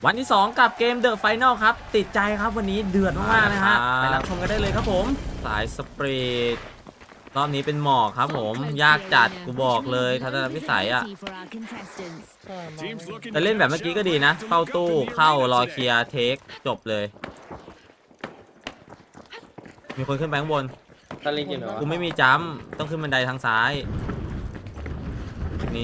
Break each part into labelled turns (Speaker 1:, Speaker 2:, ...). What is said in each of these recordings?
Speaker 1: วันที่ 2กับเกม The Final ครับติดใจครับวันนี้เดือดมากๆนะฮะไปรับชมกันได้เลยครับผมสายสปริตรอบนี้เป็นหมอกครับผมยากจัดกูบอกเลยทัศนวิสัยอะแต่เล่นแบบเมื่อกี้ก็ดีนะเข้าตู้เข้ารอเคลียร์เทคจบเลยมีคนขึ้นไปข้างบน
Speaker 2: ตะลิงอยู่เหรอ
Speaker 1: กูไม่มีจัมป์ต้องขึ้นบันไดทางซ้ายนี้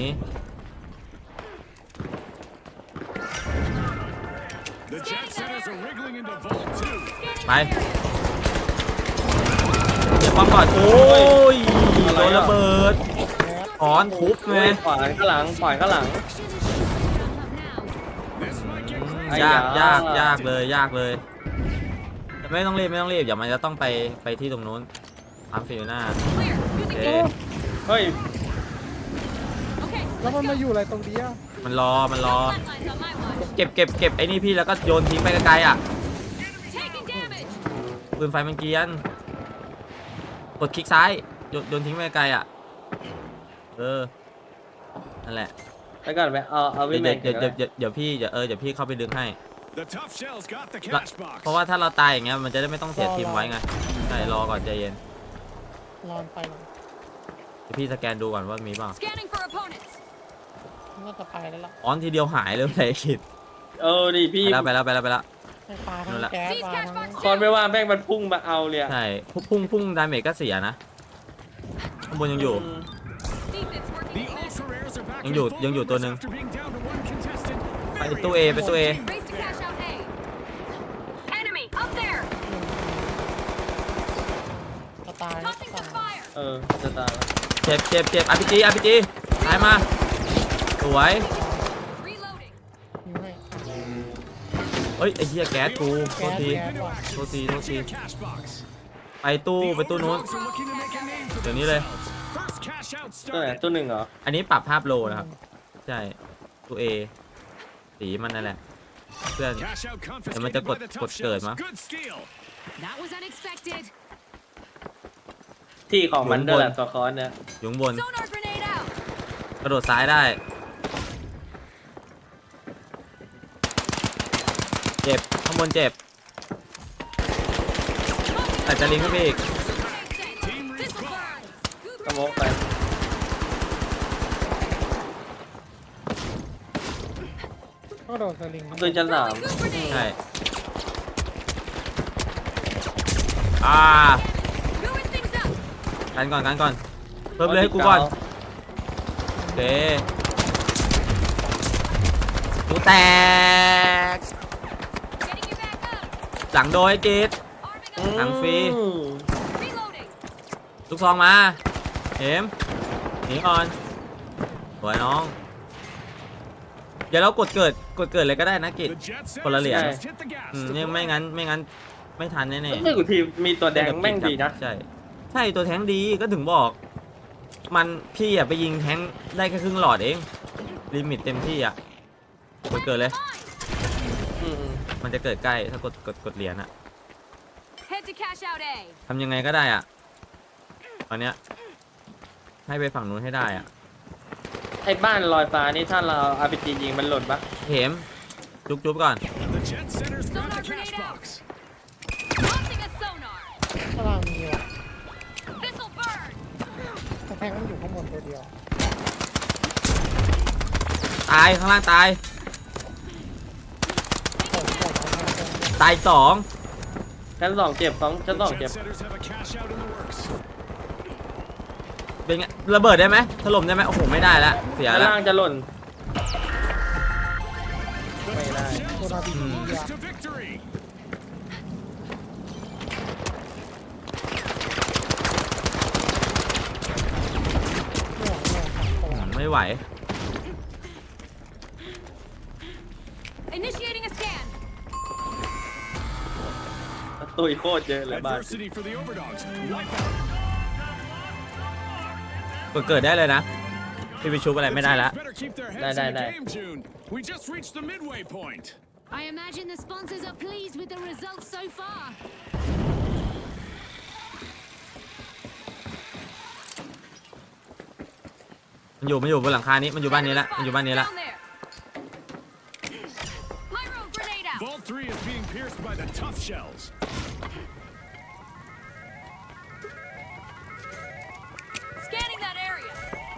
Speaker 1: ไปเดี๋ยวป้อมก่อนโอ้ยโดนระเบิดถอนทุบไง
Speaker 2: ขวานข้างหลังขวานข้างหลัง
Speaker 1: ยากเลยยากเลยไม่ต้องรีบเดี๋ยวมันจะต้องไปที่ตรงนู้นอัมฟิลน่าโอเค
Speaker 2: เฮ้ย
Speaker 3: แล้วมันมาอยู่อะไรตรงนี้อ่ะ
Speaker 1: มันรอเก็บไอ้นี่พี่แล้วก็โยนทิ้งไปไกลๆอ่ะปืนไฟมันเกรียนกดคลิกซ้ายโยนทิ้งไปไกลอ่ะนั่นแหละ
Speaker 2: แล้วก่อนไปเอาวิ
Speaker 1: เดี๋
Speaker 2: แม
Speaker 1: ยวน เดี๋ยวพี่เข้าไปดึงให้เพราะว่าถ้าเราตายอย่างเงี้ยมันจะได้ไม่ต้องเสียทีมไว้ไงใช่รอก่อนใจเย็น
Speaker 3: รอนไปหรอ
Speaker 1: เดี๋ยวพี่สแกนดูก่อนว่ามีเปล่า
Speaker 3: น่าจะไปแล้วล่ะ
Speaker 1: ออนทีเดียวหายเลยเลยคิด
Speaker 2: ดิพี่
Speaker 1: ไปแล้ว
Speaker 3: ไฟฟ้าทั้งแก๊สมาทั้ง
Speaker 2: คอนไม่ว่าแม่งมันพุ่งมาเอาเลย
Speaker 1: ใช่พุ่งดาเมจก็เสียนะข้างบนยังอยู่ตัวหนึ่งไปตู้เอ
Speaker 3: จะตาย
Speaker 2: จะตาย
Speaker 1: เจ็บอาร์พีจีตายมาสวยเฮ้ยไอ้เหี้ยแก๊สกูโทษทีไปตู้นู้นเดี๋ยวนี้เลย
Speaker 2: ตัวไหนตัวหนึ่งเหรอ
Speaker 1: อันนี้ปรับภาพโลนะครับใช่ตู้เอสีมันนั่นแหละเพื่อนเดี๋ยวมันจะกดเกิดมั้ง
Speaker 2: ที่ของมันเดินแหละตัวคอนเนี่ย
Speaker 1: อยู่ข้างบนกระโดดซ้ายได้เจ็บข้างบนเจ็บแต่จะลิงขึ้นไปอีก
Speaker 2: กระโมกไป
Speaker 3: ก็โดนสลิง
Speaker 2: ตัวชั้น3
Speaker 1: ใช่กันก่อนเพิ่มเลยให้กูก่อนโอเคกูแตกหลังโดยกิดหลังฟรีลูกซองมาเห็มหนีก่อนสวยน้องเดี๋ยวเรากดเกิดเลยก็ได้นะกิดคนละเหรียญนี่ไม่งั้นไม่ทันแน่ๆ
Speaker 2: รู้สึกทีมีตัวแดงแม่งดีนะ
Speaker 1: ใช่ตัวแทงดีก็ถึงบอกมันพี่ไปยิงแทงได้แค่ครึ่งหลอดเองลิมิตเต็มที่เกิดเลยมันจะเกิดใกล้ถ้ากดเหรียญทำยังไงก็ได้ตอนเนี้ยให้ไปฝั่งนู้นให้ได้
Speaker 2: ไอ้บ้านลอยฟ้านี่ถ้าเราอาร์พีจียิงมันหล่นปะ
Speaker 1: เหมจุ๊บก่อน
Speaker 3: ข้างล่างมีว่ะแต่แทงมันอยู่ข้างบนตัวเดียว
Speaker 1: ตายข้างล่างตาย ตาย2
Speaker 2: ชั้น2เจ็บชั้น2เจ็บ
Speaker 1: เป็นไงระเบิดได้ไหมถล่มได้ไหมโอ้โหไม่ได้แล้วเสีย
Speaker 2: ชั้น
Speaker 1: แล้ว
Speaker 2: ล่างจะหล่นไม่ได้
Speaker 3: ตัวนาบีอ่ะ
Speaker 1: ไม่ไหว
Speaker 2: ตุยโคตรเยอะเลยบ้าน
Speaker 1: เกิดได้เลยนะพี่ไปชุบอะไรไม่ได้แล้ว
Speaker 2: ได้
Speaker 4: I imagine the sponsors are pleased with the results so far.
Speaker 1: มันอยู่บนหลังคานี้มันอยู่บ้านนี้แล้ว
Speaker 5: Vault 3 is being pierced by the tough shells.
Speaker 4: Scanning that area.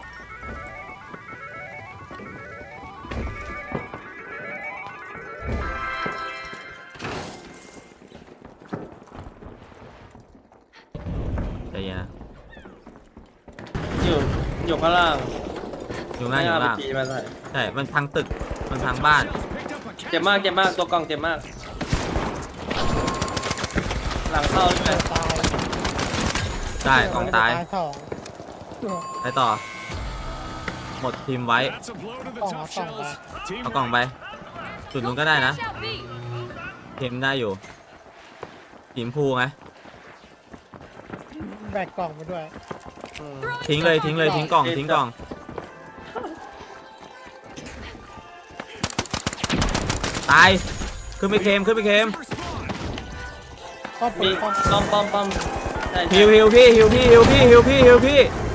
Speaker 1: ใจเย็นนะ
Speaker 2: อยู่ข้างล่าง
Speaker 1: อยู่หน้าอยู่
Speaker 2: ไม่
Speaker 1: ล่าง
Speaker 2: RPG มาใส่
Speaker 1: ใช่มันพังตึกมันพังบ้าน
Speaker 5: Shells picked up a
Speaker 2: เจ็บมากเจ็บมากตัวกล่องเจ็บมาก หลังเข้าใช่ไหม
Speaker 3: ตาย
Speaker 1: ได้กองตาย
Speaker 3: สอง
Speaker 1: ไปต่อ หมดทีมไว้
Speaker 5: That's a blow to the tough shells. Team
Speaker 1: เอากล่องไป จุดนู้นก็ได้นะ
Speaker 4: Shout B.
Speaker 1: เทมได้อยู่ทีมพูไง
Speaker 3: แบกกล่องไปด้วย
Speaker 1: ทิ้งเลยทิ้งเลยทิ้งกล่องทิ้งกล่อง ตาย ขึ้นไปเค็มขึ้นไปเค็ม
Speaker 3: ป้อม
Speaker 2: มี
Speaker 3: ป้อม
Speaker 2: ป้อมใช่
Speaker 1: ฮิวฮิวพี่ฮิวพี่ฮิวพี่ฮิวพี่ฮิวพี่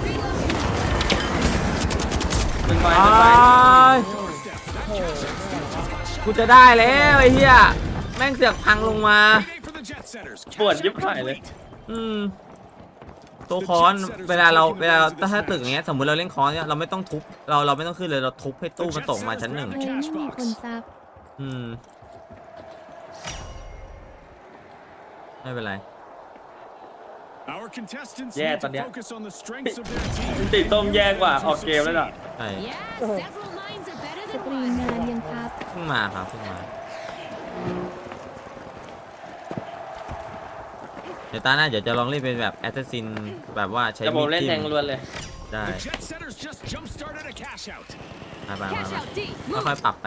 Speaker 2: เป็นไฟ
Speaker 1: อ้
Speaker 2: เป็นไฟ
Speaker 1: าย
Speaker 3: โอ้โห
Speaker 1: กูจะได้แล้วไอ้เหี้ยแม่งเสือกพังลงมา
Speaker 5: Payday for the jet setters.
Speaker 2: ปวด
Speaker 5: Cash
Speaker 2: ยิบ
Speaker 5: out
Speaker 2: หายเลย
Speaker 5: complete.
Speaker 1: อืมตัวค้อนเวลาเราถ้าตึกอย่างเงี้ยสมมติเราเล่นค้อนเนี่ยเราไม่ต้องทุบเราไม่ต้องขึ้นเลยเราทุบให้ตู้มันตกมาชั้นหนึ่ง
Speaker 4: เลยไม่มีคนซับ
Speaker 1: อืมไม่เป็นไร
Speaker 5: Our contestants
Speaker 2: Yeah,
Speaker 5: need to
Speaker 2: but yeah.
Speaker 5: focus on the strengths of their team.
Speaker 2: ติดส้มแย่กว่าออกเกมแล้วล่ะ
Speaker 1: ใช่
Speaker 4: Yeah, several minds are better
Speaker 6: ส
Speaker 4: than
Speaker 6: ตรีม
Speaker 4: one.
Speaker 6: นานยังครับ
Speaker 1: เพิ่งมาครับเพิ่งมาเดี๋ยวตาหน้าเดี๋ยวจะลองเล่นเป็นแบบแอสซัสซินแบบว่าใช้
Speaker 2: จะผ
Speaker 1: มี
Speaker 2: ม
Speaker 1: ด
Speaker 2: เล่น
Speaker 1: จิ้
Speaker 2: แทง
Speaker 1: ม
Speaker 2: ล้วนเลย
Speaker 1: ได้
Speaker 5: The jet setters just jump-started a cash out.
Speaker 1: มา
Speaker 4: Cash out D.
Speaker 1: ค่อย
Speaker 4: Move.
Speaker 1: ๆปรับไป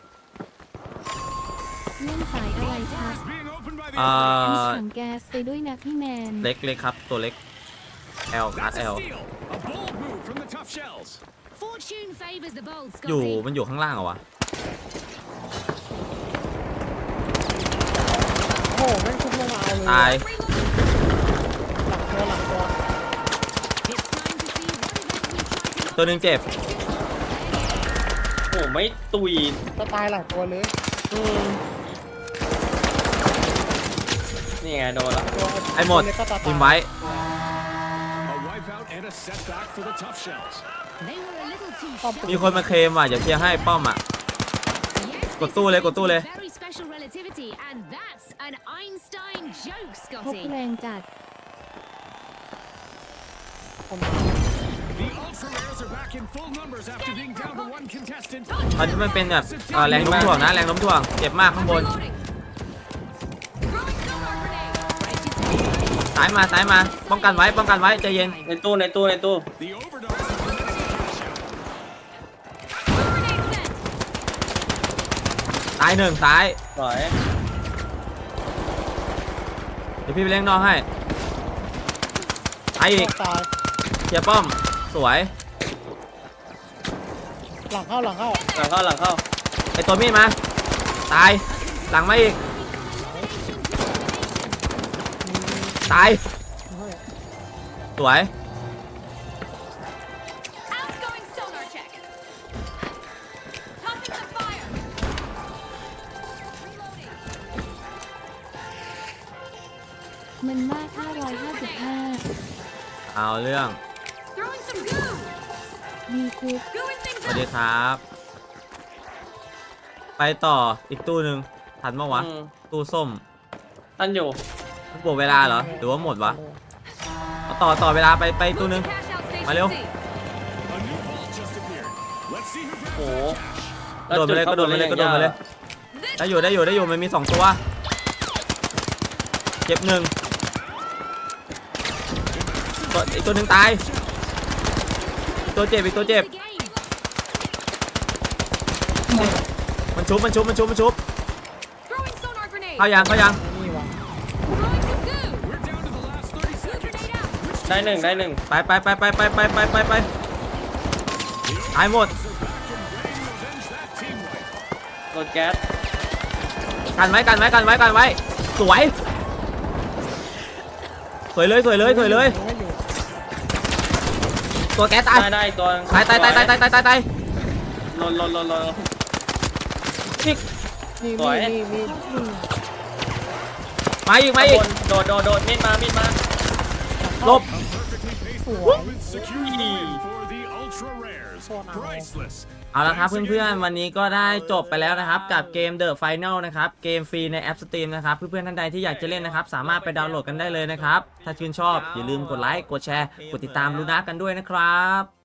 Speaker 6: เล่นสายอะไรครับ
Speaker 5: Is being opened by the
Speaker 1: อ่า
Speaker 6: มีถังแก๊สไปด้วยนะพี่แมน
Speaker 1: เล็กครับตัวเล็ก L คัด
Speaker 5: That's a
Speaker 1: L
Speaker 5: steal. A bold move from the tough shells.
Speaker 4: Fortune favors the bold,
Speaker 1: อยู่
Speaker 4: Scotty.
Speaker 1: มันอยู่ข้างล่างเหรอวะ
Speaker 3: โอ้โหแม่งทุบลงมาเอาเลย
Speaker 1: ตาย
Speaker 3: หลังตัว
Speaker 4: It's time to see what event we try to
Speaker 1: ตัวหนึ่งเจ็บ
Speaker 2: โอ้ไม่ตุย
Speaker 3: จะตายหลังตัวเลย
Speaker 2: นี่ไงโดนละ
Speaker 3: ตัว
Speaker 1: ไอ้หมด
Speaker 3: ตัวเล็กก็ตาย
Speaker 1: ทีมไว้
Speaker 5: A wipeout and a setback for the tough shells.
Speaker 4: They were a little too
Speaker 3: ป้อม
Speaker 4: sharp.
Speaker 1: มีคนมาเคลมว่ะเดี๋ยวเคลียร์ให้ป้อมอ่ะ
Speaker 4: Yes,
Speaker 1: กดตู้เลย
Speaker 4: this
Speaker 1: กดตู้เลย
Speaker 4: is very special relativity, and that's an Einstein joke,
Speaker 6: พบ
Speaker 4: Scotty.
Speaker 6: แรงจัด
Speaker 5: The ultra rares are back in full numbers after being down to one contestant.
Speaker 1: ตอนนี้มันเป็นแบบแรงโน้มถ่วงนะแรงโน้มถ่วงเจ็บมากข้างบน
Speaker 4: Reloading. Throwing sonar grenade. Ready to take aim.
Speaker 1: ซ้ายมาป้องกันไว้ใจเย็น
Speaker 2: ในตู้
Speaker 5: The overdose is a cash out.
Speaker 4: Grenade sent.
Speaker 1: ตายหนึ่งซ้าย
Speaker 2: สวย
Speaker 1: เดี๋ยวพี่ไปเล่นนอกให้ตายอีก
Speaker 3: ตาย
Speaker 1: เคลียร์ป้อมสวย
Speaker 3: หลังเข้า
Speaker 2: หลังเข้า
Speaker 1: ไอตัวมีดมาตายหลังมาอีกตายสวย
Speaker 4: Outgoing sonar check. Topping the fire. Reloading.
Speaker 6: มันมาก 555
Speaker 1: เอาเรื่อง
Speaker 4: Throwing some goo.
Speaker 6: มีคุก
Speaker 4: Gooing things
Speaker 1: สวัสดี
Speaker 4: up.
Speaker 1: ครับ ไปต่ออีกตู้หนึ่งทันปะวะ
Speaker 2: อืม
Speaker 1: ตู้ส้ม
Speaker 2: ท่านอยู่
Speaker 1: บวกเวลาเหรอหรือว่าหมดวะเอาต่อเวลาไปตู้หนึ่ง
Speaker 4: Cash out station
Speaker 1: Valeu.
Speaker 4: C.
Speaker 5: A new vault just appeared. Let's see who grabs
Speaker 2: โอ้โห
Speaker 5: that cash.
Speaker 1: กระโดดไปเลยกระโดดไปเลยกระโดดไปเลย ได้อยู่มันมี2ตัวเจ็บหนึ่งอีกตัวหนึ่งตายอีกตัวเจ็บ
Speaker 4: The game.
Speaker 1: มันชุบ
Speaker 4: Throwing sonar grenade.
Speaker 1: เข้ายัง
Speaker 3: นี่วะ
Speaker 4: Throwing some goo.
Speaker 5: We're down to the last 30
Speaker 4: Goo
Speaker 5: seconds.
Speaker 4: grenade out.
Speaker 2: ได้หนึ่ง
Speaker 1: ไปตายหมด
Speaker 2: โดนแก๊ส
Speaker 1: กันไว้สวยเลย
Speaker 3: ไม่อยู่
Speaker 1: ตัวแก๊สตาย
Speaker 2: ได้ตัว
Speaker 1: ตาย
Speaker 2: ลน
Speaker 1: นี่
Speaker 3: นี่
Speaker 2: สวย
Speaker 3: นี่นี่
Speaker 1: มาอีกมาอีก
Speaker 2: โดดมีดมา
Speaker 1: หลบ
Speaker 5: Perfectly paced
Speaker 3: สวย
Speaker 5: performance secures the win for the ultra rares. Priceless.
Speaker 1: เอาละครับเพื่อนๆวันนี้ก็ได้จบไปแล้วนะครับกับเกม The Final นะครับเกมฟรีในแอป Steam นะครับเพื่อนๆท่านใดที่อยากจะเล่นนะครับสามารถไปดาวน์โหลดกันได้เลยนะครับถ้าชื่นชอบอย่าลืมกดไลค์กดแชร์กดติดตามลูน่ากันด้วยนะครับ